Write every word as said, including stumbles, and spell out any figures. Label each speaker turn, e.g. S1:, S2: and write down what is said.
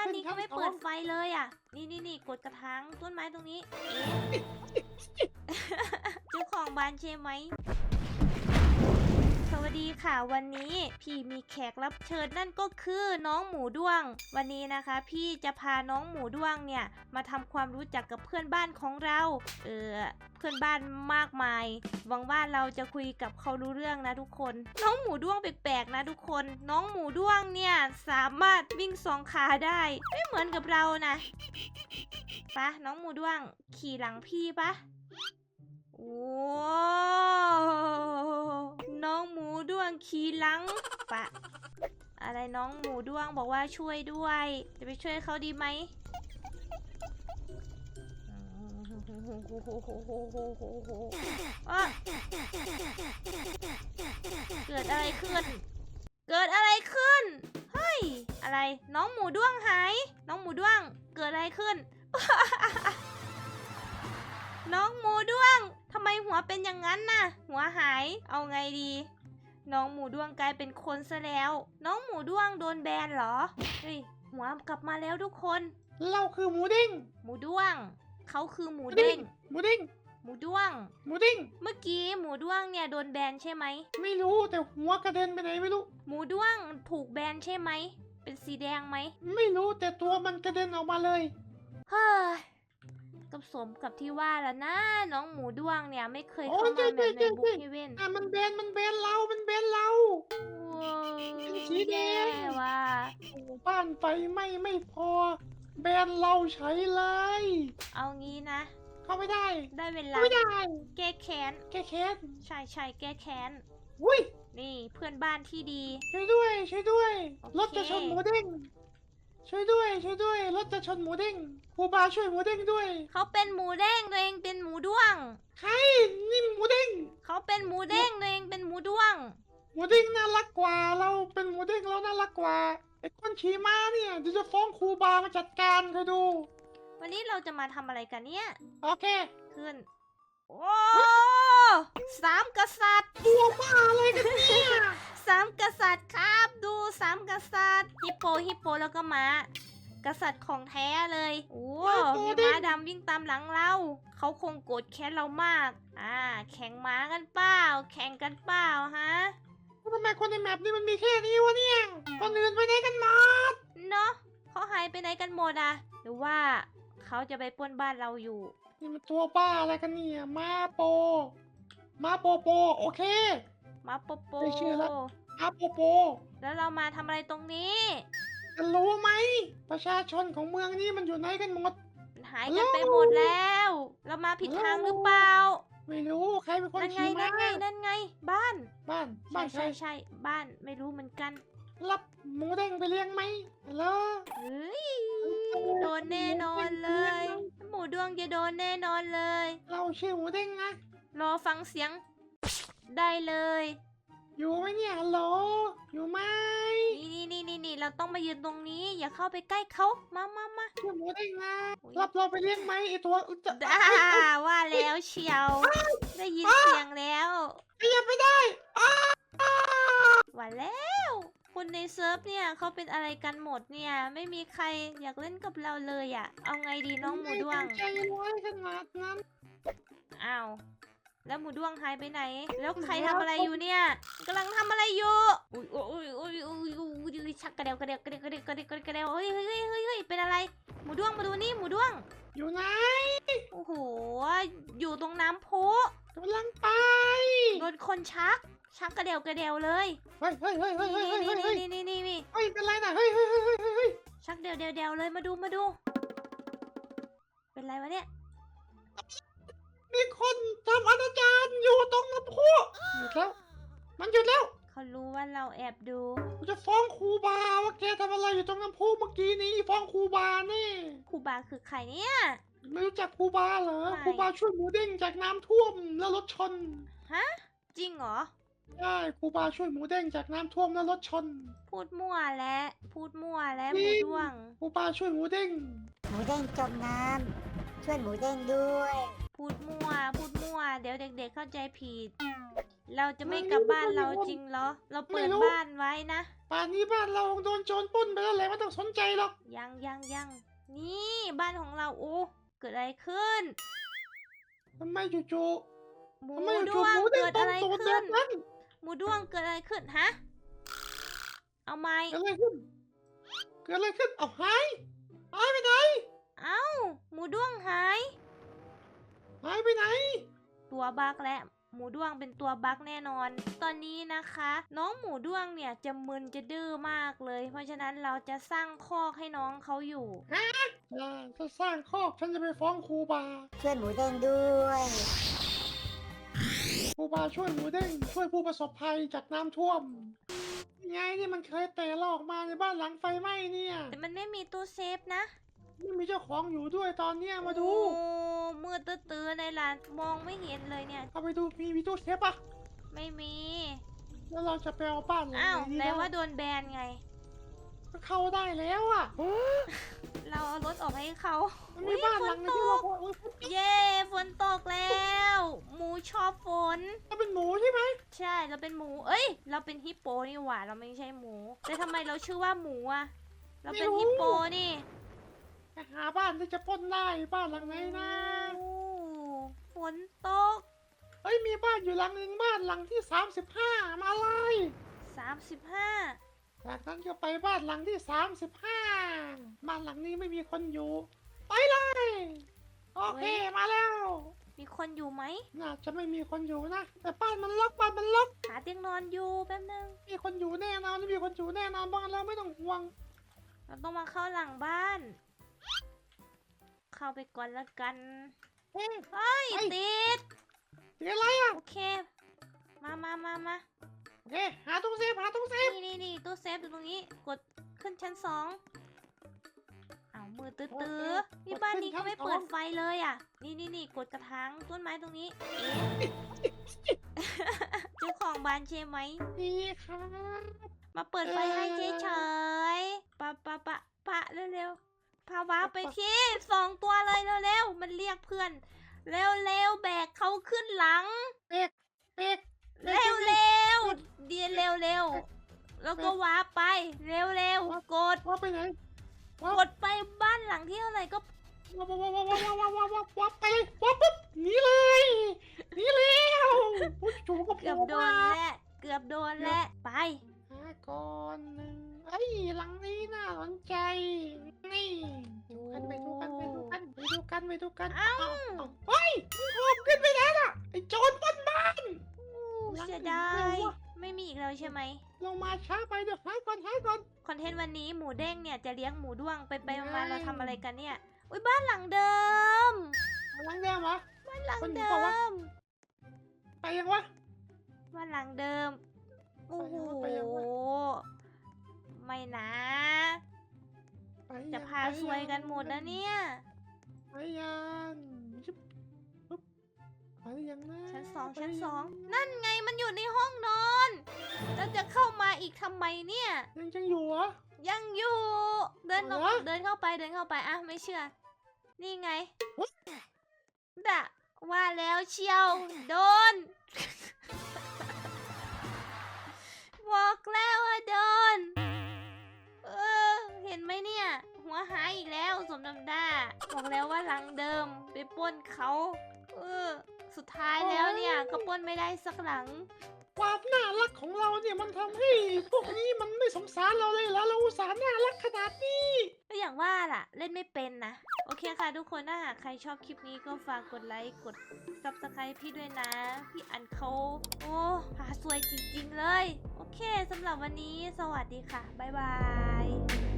S1: านนี้ก็ไม่เปิดไฟเลยอ่ะนี่นี่นี่กดกระถางต้นไม้ตรงนี้เจ้าของบ้านใช่ไหมสวัสดีค่ะวันนี้พี่มีแขกรับเชิญนั่นก็คือน้องหมูด้วงวันนี้นะคะพี่จะพาน้องหมูด้วงเนี่ยมาทำความรู้จักกับเพื่อนบ้านของเราเออเพื่อนบ้านมากมายหวังว่าเราจะคุยกับเขารู้เรื่องนะทุกคนน้องหมูด้วงแปลกๆนะทุกคนน้องหมูด้วงเนี่ยสามารถวิ่งสองขาได้ไม่เหมือนกับเรานะปะน้องหมูด้วงขี่หลังพี่ปะโอ้น้องหมูด้วงขี่หลังปะอะไรน้องหมูด้วงบอกว่าช่วยด้วยจะไปช่วยเขาดีไหมอ๊ะเกิดอะไรขึ้นเกิดอะไรขึ้นเฮ้ยอะไรน้องหมูด้วงหายน้องหมูด้วงเกิดอะไรขึ้น น้องหมูด้วงทำไมหัวเป็นอย่างนั้นน่ะหัวหายเอาไงดีน้องหมูด้วงกลายเป็นคนซะแล้วน้องหมูด้วงโดนแบนเหรอเฮ้ยหัวกลับมาแล้วทุกคน
S2: เราคือหมูดิ้ง
S1: หมูด้วงเขาคือหมูเด้ง
S2: หมูดิ้ง
S1: หมูด้วง
S2: หมูดิ้ง
S1: เมื่อกี้หมูด้วงเนี่ยโดนแบนใช่ไหม
S2: ไม่รู้แต่หัวกระเด็นไปไหนไม่รู้
S1: หมูด้วงถูกแบนใช่ไหมเป็นสีแดงไหม
S2: ไม่รู้แต่ตัวมันกระเด็นออกมาเลย
S1: เฮ้ยกับสมกับที่ว่าแล้วนะน้องหมูด้วงเนี่ยไม่เคยเข้ามาแบบในบุ๊กเฮเว่น
S2: อ่ะมันเบนมันเบนเรามันเบนเราเป็นสีแดง
S1: ว่า
S2: โอ้บ้านไฟไหม้ไม่พอแบนเราใช้เลย
S1: เอางี้นะ
S2: เข้าไม่ได้
S1: ได้เวลา
S2: ไม่ได้
S1: แก้แค้น
S2: แก้แค้น
S1: ใช่ใช่แก้แค้น
S2: อุ้ย
S1: นี่เพื่อนบ้านที่ดี
S2: ช่วยด้วยช่วยด้วยรถจะชนหมูเด้งช่วยด้วยช่วยด้วยรถจะชนหมูเด้งครูบาช่วยหมูเด้งด้วย
S1: เขาเป็นหมูเด้งตัวเองเป็นหมูด้วง
S2: ใครนี่หมูเด้ง
S1: เขาเป็นหมูเด้งตัวเองเป็นหมูด้วง
S2: หมูเด้งน่ารักกว่าเราเป็นหมูเด้งเราน่ารักกว่าไอ้คนขี่ม้าเนี่ยเดี๋ยวจะฟ้องครูบามาจัดการเขาดู
S1: วันนี้เราจะมาทำอะไรกันเนี่ย
S2: โอเค
S1: ขึ้นโอ้สามกษัตริย์
S2: ตัวบ้าอะไรกันเนี่ย
S1: สามกษัตริย์ครับดูสามกษัตริย์ฮิปโปฮิปโปแล้วก็ม้ากษัตริย์ของแท้เลยโอ้มีม้าดำวิ่งตามหลังเราเขาคงโกรธแค้นเรามากอ่าแข่งม้ากันเปล่าแข่งกันเปล่าฮะ
S2: ทำไมคนในแมปนี่มันมีแค่นี้วะเนี่ยคนอื่นไปไหนกันหมด
S1: เนาะเขาหายไปไหนกันหมดอะหรือว่าเขาจะไปปล้นบ้านเราอยู่
S2: นี่มันตัวบ้าอะไรกันเนี่ยมาโปมาโปโปโอเค
S1: มาโปโป
S2: ไม่เชื่อแล้วมาโปโป
S1: แล้วเรามาทำอะไรตรงนี้
S2: จะรู้ไหมประชาชนของเมืองนี้มันอยู่ไหนกันหมด
S1: หายกันไปหมดแล้วเรามาผิดทางหรือเปล่า
S2: ไม่รู้ใครเป็นคน
S1: ขี่ม้านั่นไงนั่นไงบ้าน
S2: บ้านบ้าน
S1: ใช่ใช่บ้านไม่รู้เหมือนกัน
S2: รับหมูเด้งไปเลี้ยงไหมเหรอ
S1: เฮ้ยโดนแน่นอนเลยหมูดวงจะโดนแน่นอนเลย
S2: เราชื่อหมูเด้งนะ
S1: รอฟังเสียงได้เลย
S2: อยู่ไหมเนี่ยฮัลโหลอยู่ไหม
S1: นี่นี่นี่นี่เราต้องมายืนตรงนี้อย่าเข้าไปใกล้เขามามามา
S2: ชื่อหมูเด้งนะรับเราไปเลี้ยงไหมไอตัว
S1: ด่าว่าแล้วเชียวได้ยินเสียงแล้ว
S2: ขยับไม่ได้
S1: ว่าแล้วคนในเซิร์ฟเนี่ยเขาเป็นอะไรกันหมดเนี่ยไม่มีใครอยากเล่นกับเราเลยอ่ะเอาไงดีน้องหมูด้วง
S2: ใจร้ายขนาดนั้น
S1: อ้าวแล้วหมูด้วงหายไปไหนแล้วใครทำอะไรอยู่เนี่ยกำลังทำอะไรอยู่อุ้ยอุ้ยอุ้ยอุ้ยอุ้ยอุ้ยชักกระเดวกระเดวกระเดวกระเดวกระเดวกระเดวเฮ้ยเฮ้ยเฮ้ยเฮ้ยเป็นอะไรหมูด้วงมาดูนี่หมูด้วง
S2: อยู่ไหน
S1: โอ้โหอยู่ตรงน้ำพุ
S2: กำลังไป
S1: โดนคนชักชักกระเดวกระเดวเลย
S2: เฮ้ยเฮ้ยเฮ้ยเฮ้ยเฮ้ยเฮ้ยเฮ้ย
S1: นี่นี่นี่นี่
S2: เฮ้ยเป็นไรนะเฮ้ยเฮ้ยเฮ้ยเฮ้ยเฮ้ย
S1: ชักเดวเดวเดวเลยมาดูมาดูเป็นไรวะเนี่ย
S2: มีคนทำอนาจารอยู่ตรงน้ำพุหยุดแล้วมันหยุดแล้ว
S1: เขารู้ว่าเราแอบดู
S2: กูจะฟ้องครูบาว่าแกทำอะไรอยู่ตรงน้ำพุเมื่อกี้นี้ฟ้องครูบาแน่
S1: ครูบาคือใครเนี่ย
S2: ไม่รู้จักครูบาเหรอครูบาช่วยหมูเด้งจากน้ำท่วมแล้วรถชน
S1: ฮะจริงเหรอ
S2: ใช่ครูบาช่วยหมูเด้งจากน้ำท่วมแล้วรถชน
S1: พูดมั่วและพูดมั่วและหมูด้วง
S2: ครูบาช่วยหมูเด้ง
S3: หมูเด้งจมน้ำช่วยหมูเด้งด้วย
S1: พูดมั่วพูดมั่วเดี๋ยวเด็กๆเข้าใจผิด เราจะไม่กลับบ้านเราจริงเหรอ เราเปิดบ้านไว้นะ
S2: ป่านนี้บ้านเราโดนโจรปล้นไปแล้วแหละไม่ต้องสนใจหรอก
S1: ยังยังยังนี่บ้านของเราโอ้เกิดอะไรขึ้น
S2: ทำไมจู่
S1: หมู
S2: ๆทำไม
S1: ด้
S2: จู่
S1: ว
S2: ๆห
S1: ง
S2: มูเด้ง
S1: เกิด
S2: ต้
S1: อะ
S2: น
S1: ไร
S2: ตูดแบ
S1: ขึ้น
S2: บนั้น
S1: หมูด้วงเกิดอะไรขึ้นฮะเอาไหม
S2: เกิดอะไรขึ้นเกิดอะไรขึ้นเอาหายหายไปไหน
S1: เอ้าหมูด้วงหาย
S2: หายไปไหน
S1: ตัวบั๊กและหมูด้วงเป็นตัวบั๊กแน่นอน ตอนนี้นะคะ น้องหมูด้วงเนี่ยจะมึนจะดื้อมากเลย เพราะฉะนั้นเราจะสร้างคอกให้น้องเขาอยู่
S2: อ่าถ้าสร้างคอกฉันจะไปฟ้องครูบา
S3: ช่วยหมูเด้งด้วย
S2: ครูบาช่วยหมูเด้งช่วยผู้ประสบภัยจากน้ำท่วมยังไงนี่มันเคยเตะเราออกมาในบ้านหลังไฟไหม้เนี่ย
S1: แต่มันไม่มีตู้เซฟนะ
S2: ไม่มีเจ้าของอยู่ด้วยตอนเนี้ยมาดู
S1: โอ้มืดตื้อๆเลยล่ะมองไม่เห็นเลยเนี่ย
S2: เอาไปดูมีมีตู้เซฟปะ
S1: ไม่มี
S2: แล้วเราจะไปเอาบ้านหลัง
S1: อ้าว
S2: ไหนดี
S1: แปล
S2: นะ
S1: ว่าโดนแบนไง
S2: ก็เข้าได้แล้วอ่ะ
S1: เราเอารถออกให้เขา
S2: มัน
S1: อุ๊
S2: มี
S1: ย
S2: บ้าน
S1: ฝ
S2: หลั
S1: น
S2: ง
S1: ต
S2: นึงที่เรา
S1: ก
S2: พอเออ
S1: เย้ฝนตกแล้ว หมูชอบฝน
S2: ถ้าเป็นหมูใช่ไหม
S1: ใช่เราเป็นหมู เอ้ย เราเป็นฮิปโปนี่หว่าเราไม่ใช่หมู แต่ทำไมเราชื่อว่าหมูอะเราเป็นฮิปโปนี่
S2: ไปหาบ้านที่จะปล้นได้บ้านหลังไหนนะ
S1: โอ้ฝนตก
S2: เฮ้ยมีบ้านอยู่หลังหนึ่งบ้านหลังที่สามสิบห้ามาเลย
S1: สามสิบห้า
S2: จากนั้นก็ไปบ้านหลังที่สามสิบห้าบ้านหลังนี้ไม่มีคนอยู่ ไปเลยโอเคมาแล้ว
S1: มีคนอยู่ไหม
S2: น่าจะไม่มีคนอยู่นะแต่บ้านมันล็อกบ้านมันล็อก
S1: หาเตียงนอนอยู่แป๊บนึง
S2: มีคนอยู่แน่นอนไม่มีคนอยู่แน่นอนบ้านเราไม่ต้องห่วง
S1: เราต้องมาเข้าหลังบ้าน เข้าไปก่อนละกัน
S2: เฮ้ย
S1: เฮ้ย
S2: เฮ้ย
S1: ติด
S2: เดี๋ยวอะไรอ่ะ
S1: โอเค มามามามา
S2: โอเคหาตู้เซฟหาตู้เซฟ
S1: นี่นี่นี่ตู้เซฟอยู่ตรงนี้ กดขึ้นชั้นสองเอามือตื้อตื้อนี่บ้านนี้เขาไม่เปิดไฟเลยอ่ะ นี่นี่นี่กดกระถางต้นไม้ตรงนี้เอ๊ะ เจ้าของบ้านใช่ไหม
S2: นี่ครับ
S1: มาเปิดไฟให้เฉยๆปะปะปะปะเร็วๆ พาวาไปที่สองตัวเลยเร็วๆ มันเรียกเพื่อน เร็วๆ แบกเขาขึ้นหลัง
S2: เป็กเป็ก
S1: เร็วๆ เดียวเร็วๆ แล้วก็ว้าไป เร็วๆ กด
S2: ว่าไปไหน
S1: กดไปบ้านหลังที่เท่าไหร่ก็
S2: ว้าวว้าวว้าวว้าวว้าวว้าวว้าวว้าวไปเลยว้าวปุ๊บหนีเลยหนีเร็วผู้จูก็
S1: เกือบโดนและเกือบโดนและไป
S2: หาก่อนหนึ่งไอ้ยหลังนี้น่าสนใจ นี่ดูกันไปดูกันไปดูกันไปดูกันไปดูกัน
S1: เอ้า
S2: เฮ้ยมึงหอบขึ้นไปแล้วน่ะไอ้โจรปล้นบ้าน หลัง
S1: เสีย
S2: อื่น
S1: ดา
S2: เร็
S1: ยว
S2: อะ
S1: ไม่มีอีกแล้วใช่ไหม
S2: ลงมาช้าไปเดี๋ยวหาก่อนหาก่อน
S1: คอนเทนต์วันนี้หมูเด้งเนี่ยจะเลี้ยงหมูด้วงไปไป
S2: ไม่
S1: มาๆเราทำอะไรกันเนี่ย อุ้ยบ้านหลังเดิม
S2: หลังเดิมเหรอ
S1: บ้านหลัง
S2: คนอยู่
S1: เดิ
S2: เปล่าวะ
S1: ม
S2: ไปยังวะ
S1: บ้านหลังเดิม โอ้โห
S2: ไปยังวะ
S1: ไม่นะ
S2: ไปยัง
S1: จะพา
S2: ไป
S1: ซวย
S2: ยัง
S1: กันหมดนะเนี่ย
S2: ไปยังชิบปุ๊บไปยังนะ
S1: ชั้นสอง
S2: ไป
S1: ชั้น
S2: ยัง
S1: สอง นั่นไงมันอยู่ในห้องนอนแล้วจะเข้ามาอีกทำไมเนี่ย
S2: ยังจังอยู่เหรอ
S1: ยังอยู่ เดินออก
S2: เอาเหรอ
S1: เดินเข้าไปเดินเข้าไปอ่ะไม่เชื่อ นี่ไง
S2: อุ๊ย
S1: ดะว่าแล้วเชียว โดน บอกแล้วว่าโดน เออ เห็นไหมเนี่ย หัวหายอีกแล้วสมน้ำหน้าบอกแล้วว่าหลังเดิมไปปล้นเขา เออ สุดท้ายแล้วเนี่ย ก็ปล้นไม่ได้สักหลัง
S2: ความน่ารักของเราเนี่ยมันทำให้พวกนี้มันไม่สงสารเราเลยแล้วเราอุตส่าห์น่ารักขนาดนี้
S1: ก็อย่างว่าล่ะ เล่นไม่เป็นนะ โอเคค่ะทุกคนถ้าหากใครชอบคลิปนี้ก็ฝากกดไลค์ กด ซับสไครบ์ พี่ด้วยนะ พี่อันเขาโอ้พาสวยจริงๆเลย โอเคสำหรับวันนี้สวัสดีค่ะ บ๊ายบาย